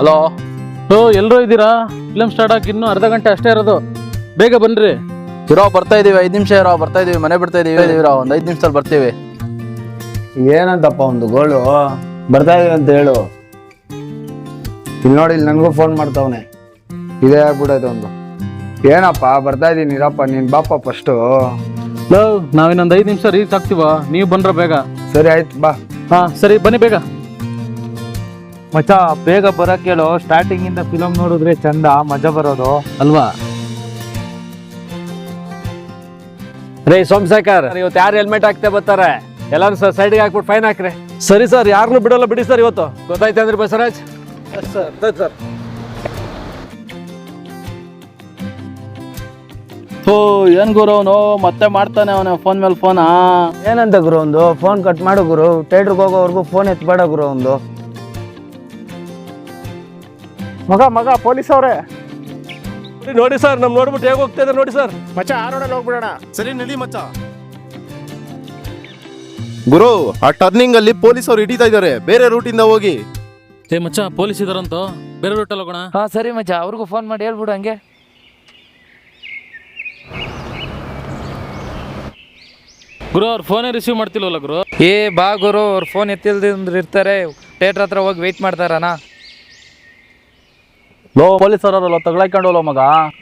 Hello. ಎಲ್ಲರೂ ಇದ್ದೀರಾ? Film start ಆಗಿ ಇನ್ನೂ ಅರ್ಧ ಗಂಟೆ ಅಷ್ಟೇ ಇರೋದು, ಬೇಗ ಬನ್ರಿ. ಇರೋ ಬರ್ತಾ ಇದೀವಿ, 5 ನಿಮಿಷ ಇರೋ ಬರ್ತಾ ಇದೀವಿ, ಮನೆ ಬಿಡ್ತಾ ಇದೀವಿ. ಒಂದು 5 ನಿಮಿಷದಲ್ಲಿ ಬರ್ತೀವಿ. ಏನಂತಪ್ಪ ಒಂದು ಗೋಳು ಬರ್ತಾ ಇದೀವಿ ಅಂತ ಹೇಳು. ಇಲ್ಲಿ ನೋಡಿ, ಇಲ್ಲಿ ನನಗೂ ಫೋನ್ ಮಾಡ್ತಾವನೆ. ಇದೇ ಆಗ್ಬಿಡೋದು ಒಂದು. ಏನಪ್ಪ ಬರ್ತಾ ಇದೀನಿ ಇರಪ್ಪ, ನೀನ್ ಬಾಪ ಫಸ್ಟು. ನಾವಿನ್ನೊಂದು 5 ನಿಮಿಷ ರೀಚ್ ಆಗ್ತೀವ, ನೀವು ಬಂದ್ರ ಬೇಗ. ಸರಿ ಆಯ್ತು ಬಾ. ಹಾ ಸರಿ ಬನ್ನಿ ಬೇಗ. ಮಚ್ಚ ಬೇಗ ಬರಕ್ ಹೇಳು, ಸ್ಟಾರ್ಟಿಂಗ್ ಇಂದ ಫಿಲಮ್ ನೋಡಿದ್ರೆ ಚಂದ ಮಜಾ ಬರೋದು ಅಲ್ವಾ? ರೇ ಸೋಮಶೇಖರ್, ಇವತ್ತು ಯಾರು ಹೆಲ್ಮೆಟ್ ಹಾಕ್ತಾ ಬರ್ತಾರೆ ಎಲ್ಲಾರು ಸರ್ ಸೈಡ್ಗೆ ಹಾಕ್ಬಿಟ್ಟು ಫೈನ್ ಹಾಕ್ರಿ. ಸರಿ ಸರ್, ಯಾರನ್ನೂ ಬಿಡೋಲ್ಲ ಬಿಡಿ ಸರ್ ಇವತ್ತು. ಗೊತ್ತಾಯ್ತು ಅಂದ್ರೆ ಬಸವರಾಜ್? ಸರ್ ಏನ್ ಗುರು ಅವನು ಮತ್ತೆ ಮಾಡ್ತಾನೆ, ಅವನ ಫೋನ್ ಮೇಲೆ ಫೋನಾ? ಏನಂತ ಗುರು ಒಂದು ಫೋನ್ ಕಟ್ ಮಾಡು ಗುರು. ಥಿಯೇಟ್ರಿಗೆ ಹೋಗೋವರೆಗೂ ಫೋನ್ ಎತ್ಬೇಡ ಗುರು ಒಂದು. ಮಗ ಪೊಲೀಸ್ ಅವ್ರೆ ನೋಡಿ ಸರ್, ನಮ್ ನೋಡ್ಬಿಟ್ಟು ಹೇಗೆ ಹೋಗ್ತಾ ಇದ್ದಾರೆ ನೋಡಿ ಸರ್. ಮಚ್ಚ ಆ ರೋಡಲ್ಲಿ ಹೋಗ್ಬಿಡೋಣ. ಸರಿ ನಡಿ ಮಚ್ಚ. ಗುರು, ಆ ಟರ್ನಿಂಗ್ ಅಲ್ಲಿ ಪೊಲೀಸ್ ಅವ್ರು ಹಿಡಿತಾ ಇದ್ದಾರೆ, ಬೇರೆ ರೂಟ್ ಇಂದ ಹೋಗಿ. ಮಚ್ಚ ಪೊಲೀಸ್ ಇದಾರಂತ, ಬೇರೆ ರೂಟಲ್ಲಿ ಹೋಗೋಣ. ಹಾ ಸರಿ ಮಚ್ಚ, ಅವ್ರಿಗೂ ಫೋನ್ ಮಾಡಿ ಹೇಳ್ಬಿಡು ಹಂಗೆ. ಗುರು ಅವ್ರ ಫೋನೇ ರಿಸೀವ್ ಮಾಡ್ತಿಲ್ವಲ್ಲ ಗುರು? ಬಾ ಗುರು, ಅವ್ರ ಫೋನ್ ಎತ್ತಿಲ್ದ್ರೆ ಇರ್ತಾರೆ, ಥಿಯೇಟ್ರ್ ಹತ್ರ ಹೋಗಿ ವೆಯ್ಟ್ ಮಾಡ್ತಾರಣ. ಪೊಲೀಸ್ ಅವರಲ್ಲ ತಗೊಳಕೊಂಡೋಲ್ಲ ಮಗ.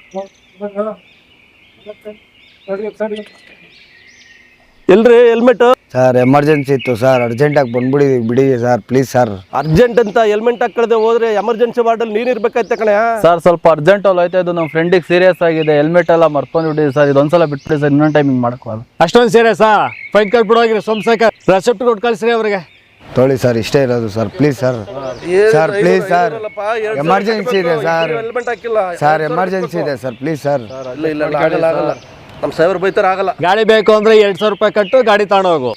ಎಲ್ರಿ ಹೆಲ್ಮೆಟ್? ಸರ್ ಎಮರ್ಜೆನ್ಸಿ ಇತ್ತು ಸರ್, ಅರ್ಜೆಂಟಾಗಿ ಬಂದ್ಬಿಡಿ ಬಿಡಿ ಸರ್ ಪ್ಲೀಸ್ ಸರ್. ಅರ್ಜೆಂಟ್ ಅಂತ ಹೆಲ್ಮೆಟ್ ಹಾಕದೆ ಹೋದ್ರೆ ಎಮರ್ಜೆನ್ಸಿ ವಾರ್ಡಲ್ಲಿ ನೀನ್ ಇರ್ಬೇಕಾಯ್ತ ಕಣೆ. ಸರ್ ಸ್ವಲ್ಪ ಅರ್ಜೆಂಟ್ ಅಲ್ಲಿ ಹೋಯ್ತಾ ಇದ್ದು, ನಮ್ಮ ಫ್ರೆಂಡಿಗೆ ಸೀರಿಯಸ್ ಆಗಿದೆ, ಹೆಲ್ಮೆಟ್ ಎಲ್ಲ ಮರ್ಕೊಂಡ್ಬಿಟ್ಟಿದೆ ಸರ್. ಇದೊಂದ್ಸಲ ಬಿಟ್ಬಿಡಿ ಸರ್, ಇನ್ನೊಂದು ಟೈಮಿಂಗ್ ಮಾಡಕ್ಕಾಗಲ್ಲ. ಅಷ್ಟೊಂದು ಸೀರಿಯಸ್ಸಾ? ಫೈನ್ ಕಟ್ಬಿಡೋಗಿರಿ ಸೋಮಶೇಖರ್, ರೆಸಿಪ್ಟ್ ಕೊಟ್ಟು ಕಳಿಸ್ರಿ ಅವ್ರಿಗೆ. ತೊಳಿ ಸರ್, ಇಷ್ಟೇ ಇರೋದು sir please sir. Sir please sir, emergency ಇದೆ ಸರ್. ಸರ್ ಎಮರ್ಜೆನ್ಸಿ ಇದೆ ಸರ್ ಪ್ಲೀಸ್ ಸರ್. ನಮ್ಮ ಸೈವರ್ ಬೈತಾರ ಆಗಲ್ಲ. ಗಾಡಿ ಬೇಕು ಅಂದ್ರೆ 200 ರೂಪಾಯಿ ಕಟ್ಟು ಗಾಡಿ ತಗೊಂಡೋಗು.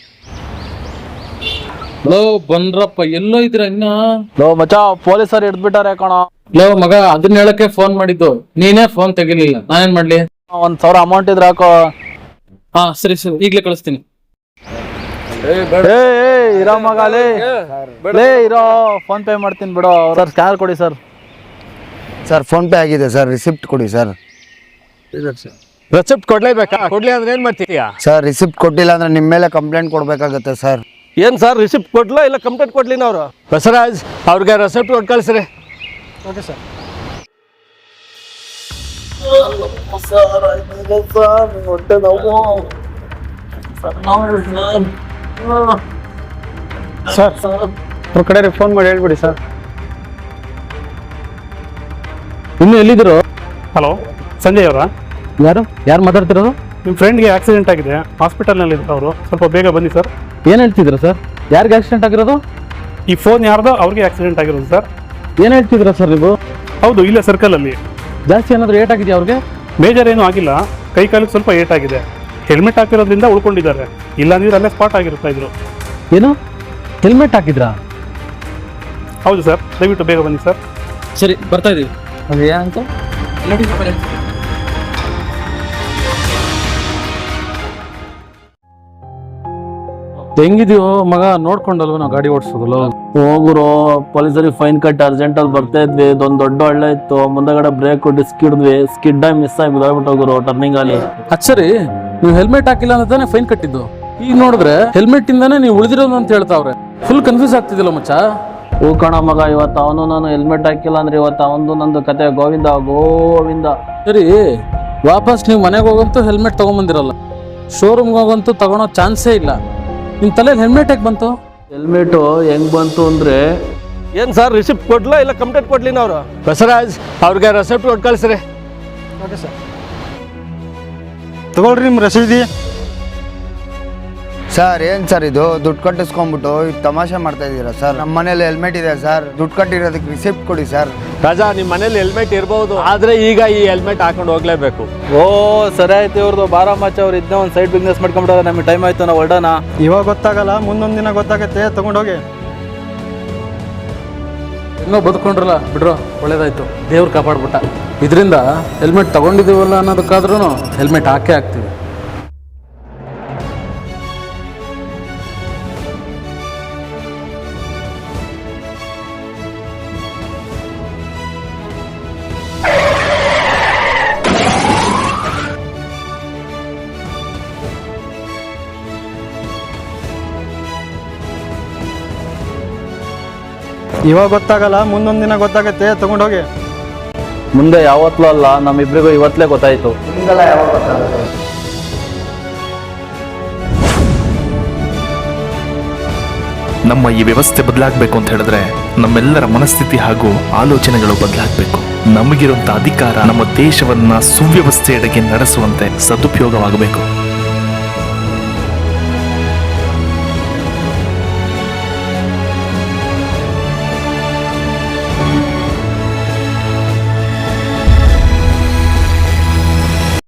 ಬಂದ್ರಪ್ಪ, ಎಲ್ಲೋ ಇದ್ರ ಇನ್ನ? ಮಚ್ಚ ಪೊಲೀಸರು ಹಿಡ್ದ್ಬಿಟ್ಟಾರೆ ಕಣ. ಮಗ ಅದನ್ನ ಹೇಳಕ್ಕೆ ಫೋನ್ ಮಾಡಿದ್ದು, ನೀನೇ ಫೋನ್ ತೆಗಿಲಿಲ್ಲ, ನಾನೇನ್ ಮಾಡ್ಲಿ? 1,000 ಅಮೌಂಟ್ ಇದ್ರೆ ಹಾಕೋ. ಹಾ ಸರಿ ಸರಿ, ಈಗ್ಲೇ ಕಳಿಸ್ತೀನಿ. ಇರೋ ಮಗ ಲೇ ಇರೋ, ಫೋನ್ ಪೇ ಮಾಡ್ತೀನಿ ಬಿಡೋ. ಸರ್ ಸ್ಕ್ಯಾನರ್ ಕೊಡಿ ಸರ್. ಸರ್ ಫೋನ್ ಪೇ ಆಗಿದೆ ಸರ್, ರಿಸಿಪ್ಟ್ ಕೊಡಿ ಸರ್. ರೆಸಿಪ್ಟ್ ಕೊಡ್ಲೇಬೇಕಾ? ಕೊಡ್ಲಿ ಅಂದ್ರೆ ಏನ್ ಮಾಡ್ತೀಯಾ? ಸರ್ ರಿಸಿಪ್ಟ್ ಕೊಟ್ಟಿಲ್ಲ ಅಂದ್ರೆ ನಿಮ್ಮ ಮೇಲೆ ಕಂಪ್ಲೇಂಟ್ ಕೊಡ್ಬೇಕಾಗತ್ತೆ ಸರ್. ಏನ್ ಸರ್, ರಿಸಿಪ್ಟ್ ಕೊಡ್ಲಾ ಇಲ್ಲ ಕಂಪ್ಲೇಂಟ್ ಕೊಡ್ಲಿ ನಾವು? ಬಸವರಾಜ್, ಅವ್ರಿಗೆ ರೆಸಿಪ್ಟ್ ಕೊಟ್ಟು ಕಳಿಸ್ರಿ. Okay sir. ಸರ್ ಅವ್ರ ಕಡೆ ಫೋನ್ ಮಾಡಿ ಹೇಳ್ಬಿಡಿ ಸರ್. ಇನ್ನು ಎಲ್ಲಿದ್ರು? ಹಲೋ, ಸಂಜಯ್ ಅವರಾ? ಯಾರು ಮಾತಾಡ್ತಿರೋದು? ನಿಮ್ಮ ಫ್ರೆಂಡ್ಗೆ ಆಕ್ಸಿಡೆಂಟ್ ಆಗಿದೆ, ಹಾಸ್ಪಿಟಲ್ನಲ್ಲಿ ಇದ್ದಾರೆ ಅವರು, ಸ್ವಲ್ಪ ಬೇಗ ಬನ್ನಿ ಸರ್. ಏನ್ ಹೇಳ್ತಿದ್ರ ಸರ್? ಯಾರಿಗೆ ಆಕ್ಸಿಡೆಂಟ್ ಆಗಿರೋದು? ಈ ಫೋನ್ ಯಾರ್ದೋ ಅವ್ರಿಗೆ ಆಕ್ಸಿಡೆಂಟ್ ಆಗಿರೋದು ಸರ್. ಏನ್ ಹೇಳ್ತಿದ್ರ ಸರ್ ನೀವು? ಹೌದು, ಇಲ್ಲೇ ಸರ್ಕಲಲ್ಲಿ. ಜಾಸ್ತಿ ಏನಾದ್ರು ಏಟ್ ಆಗಿದೆಯಾ ಅವ್ರಿಗೆ? ಮೇಜರ್ ಏನೂ ಆಗಿಲ್ಲ, ಕೈ ಕಾಲಿಗೆ ಸ್ವಲ್ಪ ಏಟ್ ಆಗಿದೆ. ಹೆಲ್ಮೆಟ್ ಹಾಕಿರೋದ್ರಿಂದ ಉಳ್ಕೊಂಡಿದ್ದಾರೆ, ಇಲ್ಲಾಂದ್ರೆ ಅಲ್ಲೇ ಸ್ಪಾಟ್ ಆಗಿರ್ತಾ ಇದ್ರು. ಏನು ಹೆಲ್ಮೆಟ್ ಹಾಕಿದ್ರಾ? ಹೌದು ಸರ್, ದಯವಿಟ್ಟು ಬೇಗ ಬನ್ನಿ ಸರ್. ಸರಿ ಬರ್ತಾ ಇದೀವಿ. ಏನಂತ ಹೆಂಗಿದೀವೋ ಮಗ, ನೋಡ್ಕೊಂಡಲ್ವ ನಾವು ಗಾಡಿ ಓಡಿಸೋದಲ್ಲ? ಹೋಗುರು, ಪೊಲೀಸರಿಗೆ ಫೈನ್ ಕಟ್ಟಿ ಅರ್ಜೆಂಟ್ ಅಲ್ಲಿ ಬರ್ತಾ ಇದ್ವಿ. ಇದೊಂದು ದೊಡ್ಡ ಒಳ್ಳೆ ಇತ್ತು, ಮುಂದಗಡೆ ಬ್ರೇಕ್ ಡಿಸ್ಕ್ ಹಿಡಿದ್ವಿ, ಸ್ಕಿಡ್ ಆಗಿ ಮಿಸ್ ಆಗಿ ಬಿದ್ದೋಗ್ಬಿಟ್ಟು ಹೋಗುರು ಟರ್ನಿಂಗ್ ಅಲ್ಲಿ. ಸರಿ, ನೀವು ಹೆಲ್ಮೆಟ್ ಹಾಕಿಲ್ಲ ಅಂತಾನೆ ಫೈನ್ ಕಟ್ಟಿದ್ದು, ಈಗ ನೋಡಿದ್ರೆ ಹೆಲ್ಮೆಟ್ ಇಂದಾನೆ ನೀವು ಉಳಿದಿರೋದು ಅಂತ ಹೇಳ್ತಾವ್ರೆ. ಫುಲ್ ಕನ್ಫ್ಯೂಸ್ ಆಗ್ತಿದಿಲ್ಲ ಮಚ್ಚ. ಹೂ ಕಣ ಮಗ, ಇವತ್ತು ಅವನು ನಾನು ಹೆಲ್ಮೆಟ್ ಹಾಕಿಲ್ಲ ಅಂದ್ರೆ ಇವತ್ತು ಅವನು ನಂದು ಕತೆ ಗೋವಿಂದ ಗೋವಿಂದ. ಸರಿ, ವಾಪಸ್ ನೀವು ಮನೆಗೆ ಹೋಗಂತೂ ಹೆಲ್ಮೆಟ್ ತಗೊಂಬಂದಿರಲ್ಲ, ಶೋರೂಮ್ಗೆ ಹೋಗಂತೂ ತಗೊಳೋ ಚಾನ್ಸೇ ಇಲ್ಲ. ನಿಮ್ ತಲೆಯಲ್ಲಿ ಹೆಲ್ಮೆಟ್ ಹೇಗೆ ಬಂತು? ಹೆಲ್ಮೆಟ್ ಹೆಂಗ್ ಬಂತು ಅಂದ್ರೆ, ಏನ್ ಸರ್, ರಿಸಿಪ್ಟ್ ಕೊಡ್ಲಾ ಇಲ್ಲ ಕಂಪ್ಲೇಂಟ್ ಕೊಡ್ಲಿ ನಾವು? ಬಸವರಾಜ್, ಅವ್ರಿಗೆ ರೆಸಿಪ್ಟ್ ಕೊಟ್ಟು ಕಳಿಸ್ರಿ. Okay sir. ತಗೊಳ್ರಿ ನಿಮ್ಮ ರಸೀದಿ. ಸರ್ ಏನು ಸರ್ ಇದು, ದುಡ್ಡು ಕಟ್ಟಿಸ್ಕೊಂಡ್ಬಿಟ್ಟು ಈಗ ತಮಾಷೆ ಮಾಡ್ತಾ ಇದ್ದೀರಾ ಸರ್? ನಮ್ಮ ಮನೇಲಿ ಹೆಲ್ಮೆಟ್ ಇದೆ ಸರ್, ದುಡ್ಡು ಕಟ್ಟಿರೋದಕ್ಕೆ ರಿಸಿಪ್ಟ್ ಕೊಡಿ ಸರ್. ರಾಜಾ, ನಿಮ್ಮ ಮನೇಲಿ ಹೆಲ್ಮೆಟ್ ಇರ್ಬೋದು, ಆದ್ರೆ ಈಗ ಈ ಹೆಲ್ಮೆಟ್ ಹಾಕೊಂಡು ಹೋಗ್ಲೇಬೇಕು. ಓ ಸರಿ ಆಯ್ತು ಇವ್ರದ್ದು. ಬಾರಾಮಚ್ಚ ಅವ್ರು ಇದನ್ನ ಒಂದು ಸೈಡ್ ಬಿಸ್ನೆಸ್ ಮಾಡ್ಕೊಂಡ್ಬಿಡೋದು. ನಮಗೆ ಟೈಮ್ ಆಯ್ತು, ನಾವು ಹೊರಡೋಣ. ಇವಾಗ ಗೊತ್ತಾಗಲ್ಲ, ಮುಂದೊಂದು ದಿನ ಗೊತ್ತಾಗತ್ತೆ, ತಗೊಂಡೋಗಿ. ಹೆಂಗೋ ಬದುಕೊಂಡ್ರಲ್ಲ ಬಿಡ್ರೋ, ಒಳ್ಳೇದಾಯ್ತು, ದೇವ್ರು ಕಾಪಾಡ್ಬಿಟ್ಟ. ಇದರಿಂದ ಹೆಲ್ಮೆಟ್ ತಗೊಂಡಿದೀವಲ್ಲ ಅನ್ನೋದಕ್ಕಾದ್ರೂ ಹೆಲ್ಮೆಟ್ ಹಾಕೇ ಹಾಕ್ತೀವಿ. ಇವಾಗ ಗೊತ್ತಾಗಲ್ಲ, ಮುಂದೊಂದು ದಿನ ಗೊತ್ತಾಗತ್ತೆ. ತಗೊಂಡೋಗಿ. ಮುಂದೆ ಯಾವತ್ತೂ ಅಲ್ಲ, ನಮ್ಮಿಬ್ರಿಗೂ ಇವತ್ತಲೇ ಗೊತ್ತಾಯ್ತು. ನಿಮ್ಗೆಲ್ಲ ಯಾವಾಗ ಗೊತ್ತಾಗುತ್ತೆ? ನಮ್ಮ ಈ ವ್ಯವಸ್ಥೆ ಬದಲಾಗಬೇಕು ಅಂತ ಹೇಳಿದ್ರೆ ನಮ್ಮೆಲ್ಲರ ಮನಸ್ಥಿತಿ ಹಾಗೂ ಆಲೋಚನೆಗಳು ಬದಲಾಗಬೇಕು. ನಮಗಿರುವಂತ ಅಧಿಕಾರ ನಮ್ಮ ದೇಶವನ್ನ ಸುವ್ಯವಸ್ಥೆಯೆಡೆಗೆ ನಡೆಸುವಂತೆ ಸದುಪಯೋಗವಾಗಬೇಕು.